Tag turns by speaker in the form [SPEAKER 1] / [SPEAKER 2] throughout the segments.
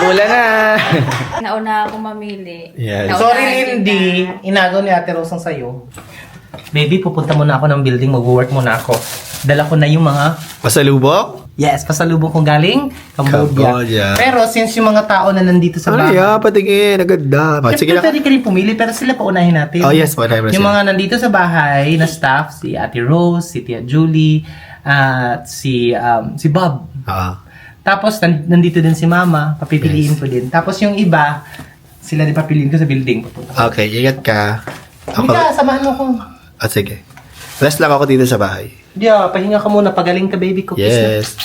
[SPEAKER 1] Umuulan na.
[SPEAKER 2] Nauna ako mamili.
[SPEAKER 1] Yes.
[SPEAKER 2] Nauna
[SPEAKER 3] Sorry,
[SPEAKER 2] kita.
[SPEAKER 3] Lindy. Inagaw ni Ate Rose ang sayo. Baby, pupunta muna ako ng building. Mag-work muna ako. Dala ko na yung mga...
[SPEAKER 1] Pasalubok?
[SPEAKER 3] Yes, pasalubong kong galing Cambodia.
[SPEAKER 1] Cambodia.
[SPEAKER 3] Pero since yung mga tao na nandito sa
[SPEAKER 1] Ano
[SPEAKER 3] bahay...
[SPEAKER 1] ya? Patingin. Aganda. Sige
[SPEAKER 3] Siyempre,
[SPEAKER 1] lang.
[SPEAKER 3] pwede ka rin pumili, pero sila paunahin natin.
[SPEAKER 1] Oh, yes. Paunahin mo
[SPEAKER 3] Yung
[SPEAKER 1] sila.
[SPEAKER 3] mga nandito sa bahay na staff, si Ate Rose, si Tia Julie, at si Bob. Tapos, nandito din si Mama. Papipiliin ko din. Tapos yung iba, sila din papiliin ko sa building.
[SPEAKER 1] Okay, ingat ka.
[SPEAKER 3] Hindi ka, samahan mo ko.
[SPEAKER 1] Sige. Rest lang ako dito sa bahay.
[SPEAKER 3] Yeah, pahinga ka muna. Pagaling ka, baby ko.
[SPEAKER 1] Yes.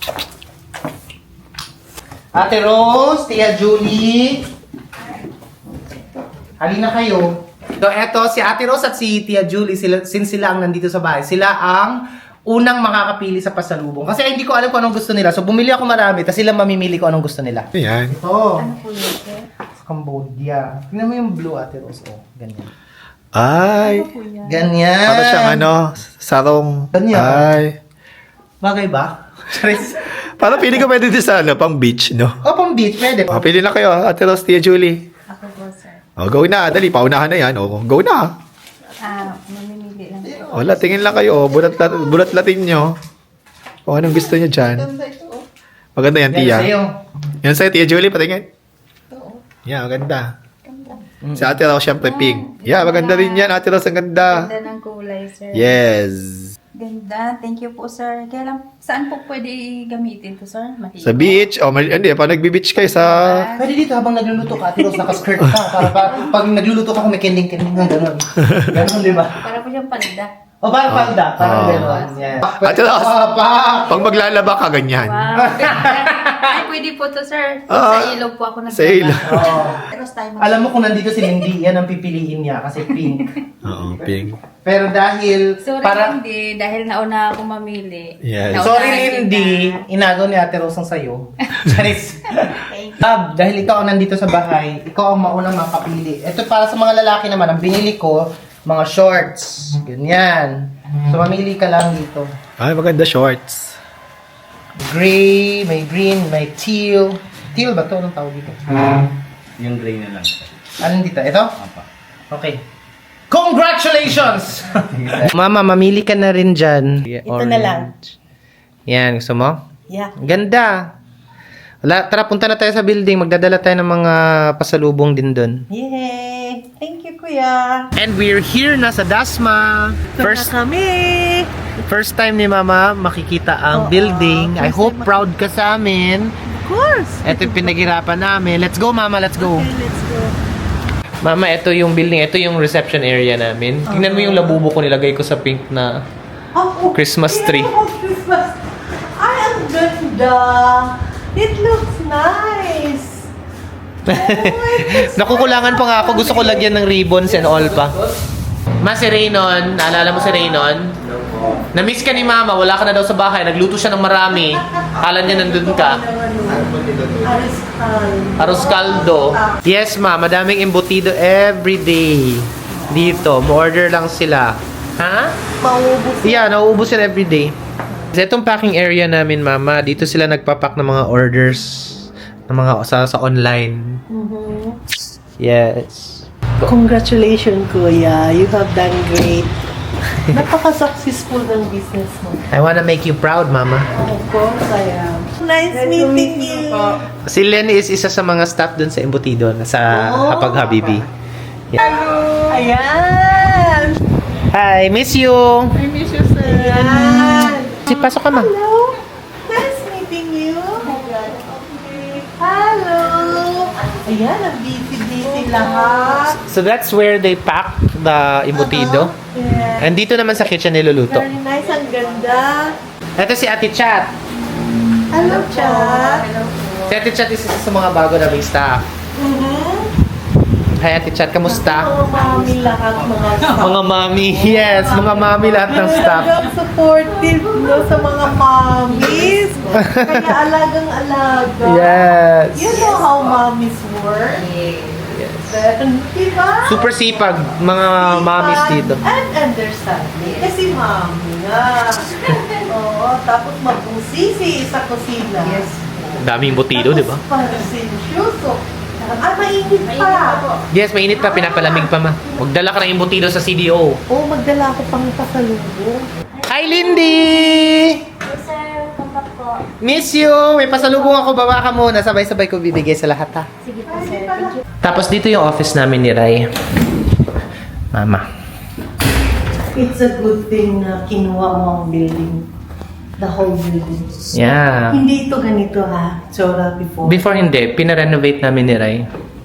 [SPEAKER 3] Ate Rose, Tia Julie. Halina kayo. So, eto, si Ate Rose at si Tia Julie, since sila ang nandito sa bahay, sila ang unang makakapili sa pasalubong. Kasi hindi ko alam kung anong gusto nila. So, bumili ako marami, tapos sila mamimili kung anong gusto nila.
[SPEAKER 1] Ayan.
[SPEAKER 3] Ito,
[SPEAKER 2] Ano po yun, sir?
[SPEAKER 3] sa Cambodia. Tingnan mo yung blue, Ate Rose. Oh, ganyan.
[SPEAKER 1] Ay.
[SPEAKER 2] Ano po yan?
[SPEAKER 3] Ganyan.
[SPEAKER 1] Para siyang ano, sarong.
[SPEAKER 3] Ganyan.
[SPEAKER 1] Ay.
[SPEAKER 3] Bagay ba? Charis.
[SPEAKER 1] Parang pili ko pwede din sa ano, pang beach, no?
[SPEAKER 3] O, pang beach, pwede.
[SPEAKER 1] Pili na kayo, Ate Rose, Tia Julie.
[SPEAKER 2] Ako po, sir.
[SPEAKER 1] Go na. Dali, paunahan na yan. Go na.
[SPEAKER 2] Mamimili lang po.
[SPEAKER 1] Wala, tingin lang kayo. Bulat-latin nyo. Kung anong gusto nyo dyan. Maganda yan,
[SPEAKER 3] Yan
[SPEAKER 1] Tia.
[SPEAKER 3] sa'yo.
[SPEAKER 1] Yan sa'yo, Tia Julie, patingin. Yeah, maganda. Si Ate Rose, syempre pink. Yeah, maganda rin yan. Ate Rose, ang ganda.
[SPEAKER 2] Ganda ng kulay, sir.
[SPEAKER 1] Yes.
[SPEAKER 2] Ganda. Thank you po, sir. Kaya lang, saan po pwede gamitin to, sir? Matigas.
[SPEAKER 1] Sa beach. Hindi, pag nagbi-beach kayo sa...
[SPEAKER 3] Pwede dito habang nagluluto ka, Ate Rose, naka-skirt ka. Para pag nagluluto ka, kung may kending-kending nga, gano'n. Gano'n, di ba?
[SPEAKER 2] Para po siyang palda.
[SPEAKER 3] O, parang palda. Parang gano'n. Yan.
[SPEAKER 1] Ate Rose, pag maglalaba ka, ganyan.
[SPEAKER 2] Wow. Ay, pwede po to, sir.
[SPEAKER 1] Ah,
[SPEAKER 2] Sa ilog po ako
[SPEAKER 1] sa ilog.
[SPEAKER 3] Oo.
[SPEAKER 2] Pero tayo
[SPEAKER 3] Alam mo kung nandito si Lindy, yan ang pipiliin niya kasi pink.
[SPEAKER 1] Oo, pink.
[SPEAKER 3] Pero dahil
[SPEAKER 2] Sorry,
[SPEAKER 3] para
[SPEAKER 2] Lindy, dahil nauna ako mamili.
[SPEAKER 1] Yes.
[SPEAKER 2] Nauna
[SPEAKER 3] Sorry,
[SPEAKER 2] kita.
[SPEAKER 3] Lindy, inagaw ni Ate Rose ang sayo. Charis.
[SPEAKER 2] Thank you.
[SPEAKER 3] Dahil ikaw ang nandito sa bahay, ikaw ang maunang makapili. Ito para sa mga lalaki naman, ang binili ko, mga shorts. Ganyan. So, mamili ka lang dito.
[SPEAKER 1] Ay, maganda shorts.
[SPEAKER 3] Gray, may green, may teal. Teal ba ito? Anong tawag dito?
[SPEAKER 4] Yung gray na lang.
[SPEAKER 3] Anong dito? Ito?
[SPEAKER 4] Apa.
[SPEAKER 3] Okay. Congratulations! Mama, mamili ka na rin dyan.
[SPEAKER 5] Ito na lang.
[SPEAKER 3] Yan, gusto mo?
[SPEAKER 5] Yeah.
[SPEAKER 3] Ganda. Wala, tara, punta na tayo sa building. Magdadala tayo ng mga pasalubong din doon.
[SPEAKER 5] Yay! Thank you, Kuya.
[SPEAKER 3] And we're here na sa Dasma. First time ni Mama makikita ang building. I hope proud ka sa amin.
[SPEAKER 5] Of course.
[SPEAKER 3] Ito yung pinaghirapan namin. Let's go, Mama. Let's go.
[SPEAKER 5] Okay, let's go.
[SPEAKER 3] Mama, ito yung building. Ito yung reception area namin. Tingnan mo yung labubo ko nilagay ko sa pink na
[SPEAKER 5] Oh,
[SPEAKER 3] Christmas tree.
[SPEAKER 5] Oh, Christmas. Ay, ang ganda. It looks nice.
[SPEAKER 3] Nakukulangan pa nga ako. Gusto ko lagyan ng ribbons and all pa. Ma, si Raynon. Naalala mo si Raynon? Na-miss ka ni Mama. Wala ka na daw sa bahay. Nagluto siya ng marami. Kala niya nandun ka.
[SPEAKER 5] Ariscal.
[SPEAKER 3] Arroz caldo. Yes, Ma. Madaming embutido everyday. Dito. Mo-order lang sila. Ha?
[SPEAKER 5] Maubos.
[SPEAKER 3] Yeah, nauubos sila everyday. Sa itong packing area namin, Mama, dito sila nagpapack ng mga orders ng mga sa online. Yes.
[SPEAKER 5] Congratulations, Kuya. You have done great. Napaka-successful ng business mo.
[SPEAKER 3] I wanna make you proud, Mama.
[SPEAKER 5] Of course, I am. Nice meeting you.
[SPEAKER 3] Si Lenny is isa sa mga staff dun sa embutido sa Hapag Habibi.
[SPEAKER 5] Ayan.
[SPEAKER 3] Hi, miss you.
[SPEAKER 5] I miss you, sir. Ayan.
[SPEAKER 3] Si pasok ka, Ma.
[SPEAKER 5] Hello. Nice meeting you. Okay. Hello. Ayan, ang busy-busy lahat.
[SPEAKER 3] So that's where they pack the embutido.
[SPEAKER 5] Yeah.
[SPEAKER 3] And dito naman sa kitchen niluluto.
[SPEAKER 5] Very nice, ang ganda.
[SPEAKER 3] Ito si Ate Chat.
[SPEAKER 5] Hello, Chat.
[SPEAKER 3] Si Ate Chat is isa sa mga bago naming staff. Hi, Ate Chat. Kamusta?
[SPEAKER 5] Mga mami lahat, mga staff.
[SPEAKER 3] Mga mami. Yes, mga mami lahat ng staff.
[SPEAKER 5] Talagang supportive no, sa mga mommies. Kaya alagang-alaga.
[SPEAKER 3] Yes.
[SPEAKER 5] You know how mommies work? Diba?
[SPEAKER 3] Super sipag mga mommies dito.
[SPEAKER 5] And understanding. Kasi mommy nga. Oo, tapos mabusisi sa kusina. Yes.
[SPEAKER 3] Daming butido, di ba?
[SPEAKER 5] Parasensyoso. Ah, mainit pa.
[SPEAKER 3] Yes, mainit pa, pinapalamig pa ma. Magdala ka ng imbutido sa CDO.
[SPEAKER 5] Oo, magdala ako pang pasalubong.
[SPEAKER 3] Hi, Lindy!
[SPEAKER 6] Sir, contact po.
[SPEAKER 3] Miss you! May pasalubong ako, bawa ka muna. Sabay-sabay ko bibigay sa lahat, ha?
[SPEAKER 6] Sige po, sir. Thank you.
[SPEAKER 3] Tapos dito yung office namin ni Rai. Mama.
[SPEAKER 5] It's a good thing na kinuha mo ang building. The whole building.
[SPEAKER 3] Yeah.
[SPEAKER 5] Hindi ito ganito ha. Tsura before.
[SPEAKER 3] Before hindi, pinarenovate namin ni Rai.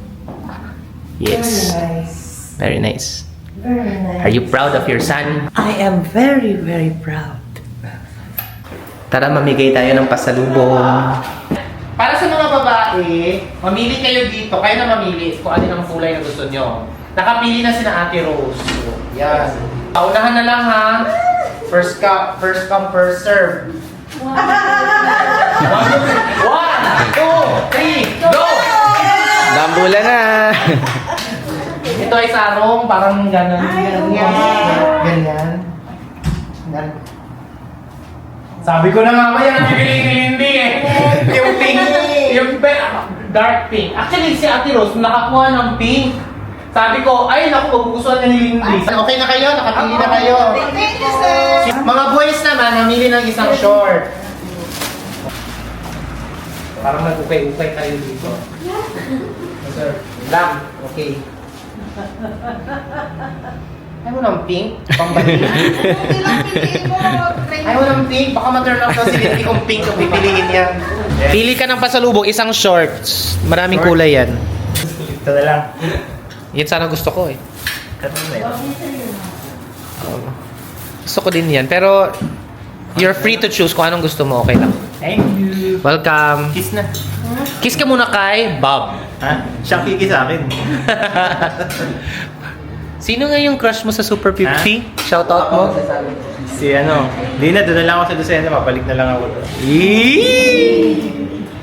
[SPEAKER 3] Yes.
[SPEAKER 5] Very nice.
[SPEAKER 3] Very nice.
[SPEAKER 5] Very nice.
[SPEAKER 3] Are you proud of your son?
[SPEAKER 5] I am very, very proud.
[SPEAKER 3] Tara, mamigay tayo ng pasalubong. Para sa mga babae, mamili kayo dito. Kayo na mamili kung alin ang kulay na gusto nyo. Nakapili na sina Ate Rose. Yan. Paunahan na lang ha. First come, first serve. 1, 2, 3, go!
[SPEAKER 1] Dambula na!
[SPEAKER 3] Ito ay sarong, parang gano'n. Ganyan. Sabi ko na nga ba yan ang bibili ni Lindy eh. Yung pink, yung dark pink. Actually, si Ate Rose nakakuha ng pink. Sabi ko, ay naku, magugustuhan na ni Lindy. Okay na kayo? Nakapili na kayo?
[SPEAKER 5] Thank you, sir.
[SPEAKER 3] Mga boys naman, namili ng isang short. Parang nag-ukay-ukay tayo dito. Sir, lang. Okay. Ayaw mo ng pink? Pambalik. Ayaw mo ng pink? Baka ma-turn off daw si Lindy kung pink ang pipiliin niya. Pili ka ng pasalubong, isang shorts. Maraming kulay yan.
[SPEAKER 4] Ito na lang.
[SPEAKER 3] Yan sana gusto ko eh.
[SPEAKER 4] Kato na yun.
[SPEAKER 3] Gusto ko din yan. Pero, you're free to choose kung anong gusto mo. Okay lang.
[SPEAKER 4] Thank you.
[SPEAKER 3] Welcome.
[SPEAKER 4] Kiss na.
[SPEAKER 3] Kiss ka muna kay Bob.
[SPEAKER 4] Ha? Siya kiki sa akin.
[SPEAKER 3] Sino nga yung crush mo sa Super 50? Shoutout mo.
[SPEAKER 4] Si ano, hindi na, doon na lang ako sa Lucena, mabalik na lang ako doon.